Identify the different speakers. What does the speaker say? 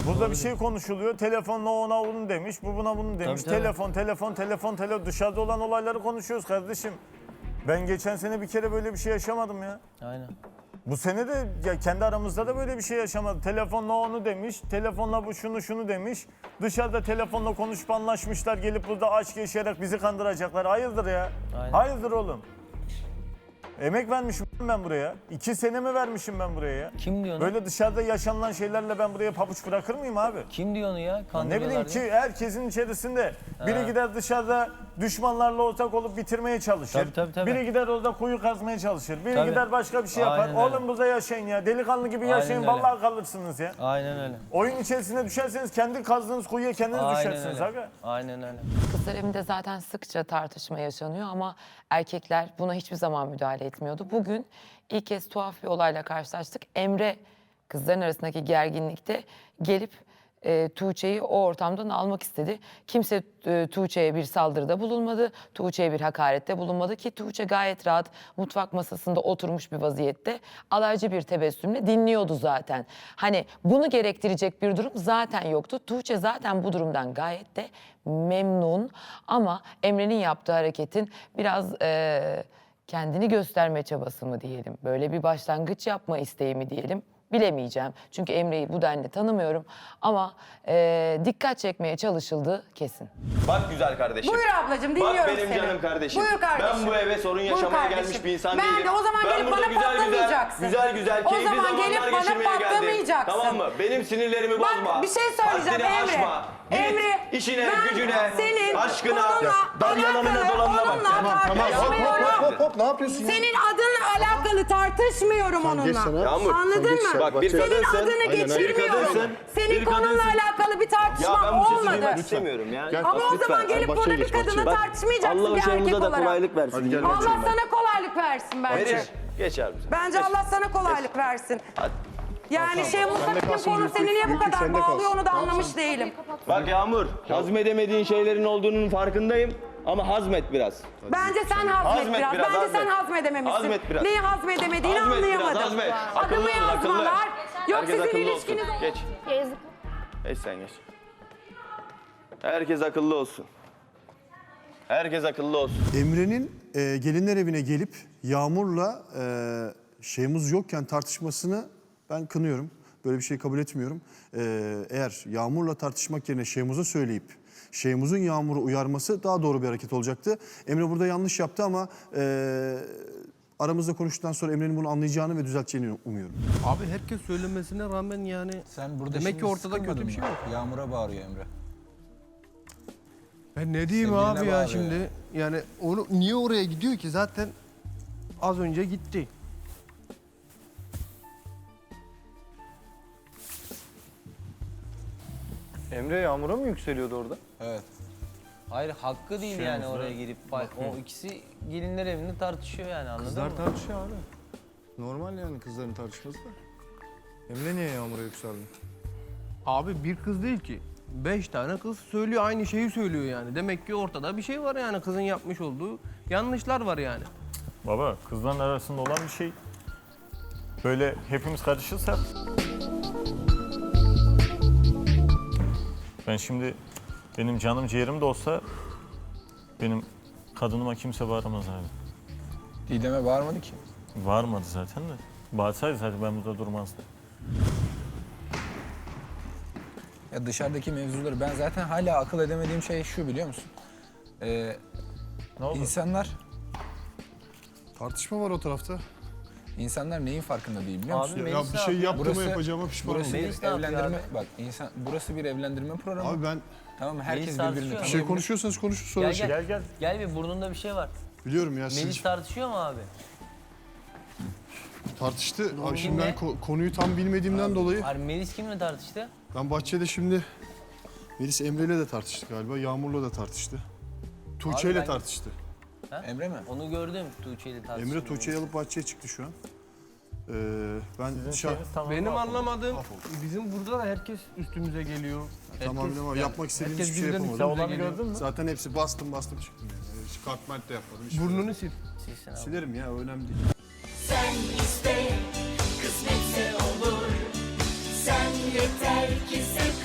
Speaker 1: Burada bir şey konuşuluyor. Telefonla ona bunu demiş, bu buna bunu demiş.
Speaker 2: Tabii,
Speaker 1: Telefon. Dışarıda olan olayları konuşuyoruz kardeşim. Ben geçen sene bir kere böyle bir şey yaşamadım ya.
Speaker 2: Aynen.
Speaker 1: Bu sene de ya kendi aramızda da böyle bir şey yaşamadı. Telefonla onu demiş, telefonla bu şunu demiş. Dışarıda telefonla konuşup anlaşmışlar. Gelip burada aşk yaşayarak bizi kandıracaklar. Hayırdır ya?
Speaker 2: Aynen.
Speaker 1: Hayırdır oğlum? Emek vermişim ben buraya. 2 sene mi vermişim ben buraya ya?
Speaker 2: Kim diyor onu?
Speaker 1: Böyle dışarıda yaşanılan şeylerle ben buraya pabuç bırakır mıyım abi?
Speaker 2: Kim diyor onu ya?
Speaker 1: Ne
Speaker 2: Kandırıyorlar
Speaker 1: bileyim
Speaker 2: diye.
Speaker 1: ki herkesin içerisinde biri gider dışarıda düşmanlarla ortak olup bitirmeye çalışır.
Speaker 2: Tabii.
Speaker 1: Biri gider orada kuyu kazmaya çalışır. Biri
Speaker 2: Tabii.
Speaker 1: gider başka bir şey yapar.
Speaker 2: Aynen öyle.
Speaker 1: Oğlum burada yaşayın ya. Delikanlı gibi
Speaker 2: Aynen
Speaker 1: yaşayın.
Speaker 2: öyle.
Speaker 1: Vallahi kalırsınız ya.
Speaker 2: Aynen öyle.
Speaker 1: Oyun içerisine düşerseniz kendi kazdığınız kuyuya kendiniz
Speaker 2: Aynen
Speaker 1: düşersiniz.
Speaker 2: öyle.
Speaker 1: Aga.
Speaker 2: Aynen öyle.
Speaker 3: Kızlar evinde zaten sıkça tartışma yaşanıyor ama erkekler buna hiçbir zaman müdahale etmiyordu. Bugün ilk kez tuhaf bir olayla karşılaştık. Emre kızların arasındaki gerginlikte gelip Tuğçe'yi o ortamdan almak istedi. Kimse Tuğçe'ye bir saldırıda bulunmadı. Tuğçe'ye bir hakarette bulunmadı ki Tuğçe gayet rahat mutfak masasında oturmuş bir vaziyette alaycı bir tebessümle dinliyordu zaten. Hani bunu gerektirecek bir durum zaten yoktu. Tuğçe zaten bu durumdan gayet de memnun ama Emre'nin yaptığı hareketin biraz kendini gösterme çabası mı diyelim, böyle bir başlangıç yapma isteği mi diyelim, bilemeyeceğim. Çünkü Emre'yi bu denli tanımıyorum ama dikkat çekmeye çalışıldığı kesin.
Speaker 4: Bak güzel kardeşim.
Speaker 5: Buyur ablacığım, dinliyorum
Speaker 4: Bak benim
Speaker 5: seni.
Speaker 4: canım kardeşim.
Speaker 5: Buyur kardeşim.
Speaker 4: Ben bu eve sorun
Speaker 5: Buyur
Speaker 4: yaşamaya
Speaker 5: kardeşim.
Speaker 4: gelmiş bir insan
Speaker 5: Ben
Speaker 4: değilim.
Speaker 5: de o zaman gelip
Speaker 4: burada
Speaker 5: bana patlamayacaksın.
Speaker 4: Güzel
Speaker 5: O
Speaker 4: keyifli
Speaker 5: zaman
Speaker 4: zamanlar
Speaker 5: gelip bana
Speaker 4: geçirmeye geldim.
Speaker 5: patlamayacaksın.
Speaker 4: Tamam mı? Benim sinirlerimi bozma.
Speaker 5: Bak bir şey söyleyeceğim
Speaker 4: Haddini
Speaker 5: Emre.
Speaker 4: aşma. Git
Speaker 5: Emre,
Speaker 4: işine,
Speaker 5: ben
Speaker 4: gücüne,
Speaker 5: senin
Speaker 4: aşkına,
Speaker 5: onunla
Speaker 4: dalyananına
Speaker 5: alakalı,
Speaker 4: dolanına bak.
Speaker 5: onunla tartışmıyorum.
Speaker 6: Hop ne yapıyorsun ya?
Speaker 5: Senin adınla alakalı tartışmıyorum
Speaker 6: geç
Speaker 5: onunla.
Speaker 6: sana.
Speaker 4: Yağmur,
Speaker 5: Anladın mı?
Speaker 4: Bak bir
Speaker 5: Senin
Speaker 4: kadınsın.
Speaker 5: adını geçirmiyorum. Senin konunla alakalı bir
Speaker 4: Ya
Speaker 5: tartışmam
Speaker 4: ben bu sesi
Speaker 5: olmadı.
Speaker 4: duymak istemiyorum ya.
Speaker 6: Gel.
Speaker 5: Ama o
Speaker 6: Lütfen,
Speaker 5: zaman gelip
Speaker 6: bahçeye
Speaker 5: burada bir
Speaker 6: geç,
Speaker 5: kadınla
Speaker 6: bahçeye.
Speaker 5: tartışmayacaksın
Speaker 4: Allah
Speaker 5: bir erkek
Speaker 4: başımıza da
Speaker 5: olarak.
Speaker 4: kolaylık versin.
Speaker 6: Hadi gel
Speaker 5: Allah
Speaker 6: bahçeye.
Speaker 5: sana kolaylık versin bence.
Speaker 4: Verir. Geç abi sen.
Speaker 5: Bence Allah sana kolaylık versin.
Speaker 4: Hadi.
Speaker 5: Yani
Speaker 6: Sen de
Speaker 5: Mustafa'nın
Speaker 6: kalsın,
Speaker 5: konu seni niye bu
Speaker 6: Yükü
Speaker 5: kadar
Speaker 6: sende
Speaker 5: bağlıyor
Speaker 6: kalsın.
Speaker 5: onu da anlamış değilim.
Speaker 4: Bak Yağmur, hazmedemediğin şeylerin olduğunun farkındayım. Ama hazmet biraz.
Speaker 5: Bence sen hazmet
Speaker 4: Hazmet
Speaker 5: biraz.
Speaker 4: biraz,
Speaker 5: Bence
Speaker 4: hazmet.
Speaker 5: sen hazmedememişsin.
Speaker 4: Hazmet biraz.
Speaker 5: Neyi hazmedemediğini
Speaker 4: Hazmet biraz,
Speaker 5: anlayamadım.
Speaker 4: hazmet. Akıllı
Speaker 5: Adımı
Speaker 4: ol, akıllı.
Speaker 5: yazmalar. Yok
Speaker 4: Herkes
Speaker 5: sizin
Speaker 4: akıllı
Speaker 5: ilişkiniz...
Speaker 4: olsun. Geç. Geç sen geç. Herkes akıllı olsun. Herkes akıllı olsun.
Speaker 6: Emre'nin gelinler evine gelip Yağmur'la şeyimiz yokken tartışmasını ben kınıyorum. Böyle bir şey kabul etmiyorum. Eğer Yağmur'la tartışmak yerine Şeymuz'a söyleyip Şeymuz'un Yağmur'u uyarması daha doğru bir hareket olacaktı. Emre burada yanlış yaptı ama aramızda konuştuktan sonra Emre'nin bunu anlayacağını ve düzelteceğini umuyorum.
Speaker 7: Abi herkes söylemesine rağmen yani
Speaker 8: Sen burada
Speaker 7: demek
Speaker 8: şimdi
Speaker 7: ki ortada
Speaker 8: sıkılmadın
Speaker 7: kötü bir şey
Speaker 8: mı?
Speaker 7: yok.
Speaker 8: Yağmur'a bağırıyor Emre.
Speaker 7: Ben ne diyeyim
Speaker 8: Sevgiline
Speaker 7: abi ya
Speaker 8: bağırıyor
Speaker 7: şimdi. Yani onu niye oraya gidiyor ki zaten az önce gitti.
Speaker 9: Emre Yağmur'a mı yükseliyordu orada?
Speaker 8: Evet.
Speaker 2: Hayır hakkı değil yani oraya girip o ikisi gelinler evinde tartışıyor yani anladın
Speaker 9: Kızlar
Speaker 2: mı?
Speaker 9: tartışıyor abi. Normal yani kızların tartışması da. Emre niye Yağmur'a yükseldi?
Speaker 7: Abi bir kız değil ki. 5 tane kız söylüyor aynı şeyi söylüyor yani. Demek ki ortada bir şey var yani kızın yapmış olduğu yanlışlar var yani.
Speaker 1: Baba kızların arasında olan bir şey. Böyle hepimiz karışırsak. Ben şimdi benim canım ciğerim de olsa benim kadınıma kimse bağıramaz abi.
Speaker 8: Didem'e bağırmadı ki.
Speaker 1: Bağırmadı zaten de. Bağırsaydı zaten ben burada durmazdım.
Speaker 8: Ya dışarıdaki mevzuları ben zaten hala akıl edemediğim şey şu biliyor musun?
Speaker 1: Ne oldu?
Speaker 6: Tartışma var o tarafta.
Speaker 8: İnsanlar neyin farkında değil biliyor musun?
Speaker 2: Abi
Speaker 6: Ya
Speaker 2: Melis
Speaker 6: bir
Speaker 2: ne
Speaker 6: şey
Speaker 2: yapıyor?
Speaker 6: yaptığıma
Speaker 8: Burası-
Speaker 6: yapacağıma pişman
Speaker 8: Burası
Speaker 6: oldum.
Speaker 2: Melis
Speaker 8: bir
Speaker 2: ne yapıyor
Speaker 8: evlendirme
Speaker 2: abi?
Speaker 8: bak burası bir evlendirme programı.
Speaker 6: Abi ben
Speaker 8: Tamam mı? Herkes
Speaker 2: Melis
Speaker 8: birbirini
Speaker 2: tartışıyor
Speaker 8: tanıyor.
Speaker 6: bir şey konuşuyorsanız konuşun sonra
Speaker 2: Gel
Speaker 6: şey.
Speaker 2: gel.
Speaker 1: Gel.
Speaker 2: Gel bir burnunda bir şey var.
Speaker 6: Biliyorum ya
Speaker 2: Melis
Speaker 6: siz
Speaker 2: tartışıyor mu abi?
Speaker 6: tartıştı. Abi şimdi
Speaker 2: Kimle?
Speaker 6: ben konuyu tam bilmediğimden dolayı
Speaker 2: Hayır Melis kimle tartıştı?
Speaker 6: ben bahçede şimdi Melis Emre'yle de tartıştı galiba. Yağmur'la da tartıştı. Tuğçe'yle
Speaker 2: ben-
Speaker 6: tartıştı.
Speaker 8: Emre mi?
Speaker 2: Onu gördüm Tuğçe'yle tartıştı.
Speaker 6: Emre Tuğçe'yi alıp bahçeye çıktı şu an. Ben
Speaker 1: Sizin
Speaker 6: dışarı...
Speaker 1: şeyiniz tamam.
Speaker 7: Benim
Speaker 1: mahvoldu.
Speaker 7: anlamadığım bizim burada da herkes üstümüze geliyor.
Speaker 6: Tamam
Speaker 7: Herkes-
Speaker 6: ama yapmak istediğim
Speaker 7: herkes
Speaker 6: hiçbir şey
Speaker 7: birden
Speaker 6: yapamadım.
Speaker 1: Sen
Speaker 7: üstümüze
Speaker 1: olanı
Speaker 7: geliyor.
Speaker 1: gördün mü?
Speaker 6: Zaten hepsi bastım çıktım yani. Hiç kartment de yapmadım. hiçbir şey
Speaker 7: Burnunu sil.
Speaker 2: Silsin abi.
Speaker 6: Silerim ya önemli değil.
Speaker 10: Sen iste, kısmetse olur. Sen yeter ki sev.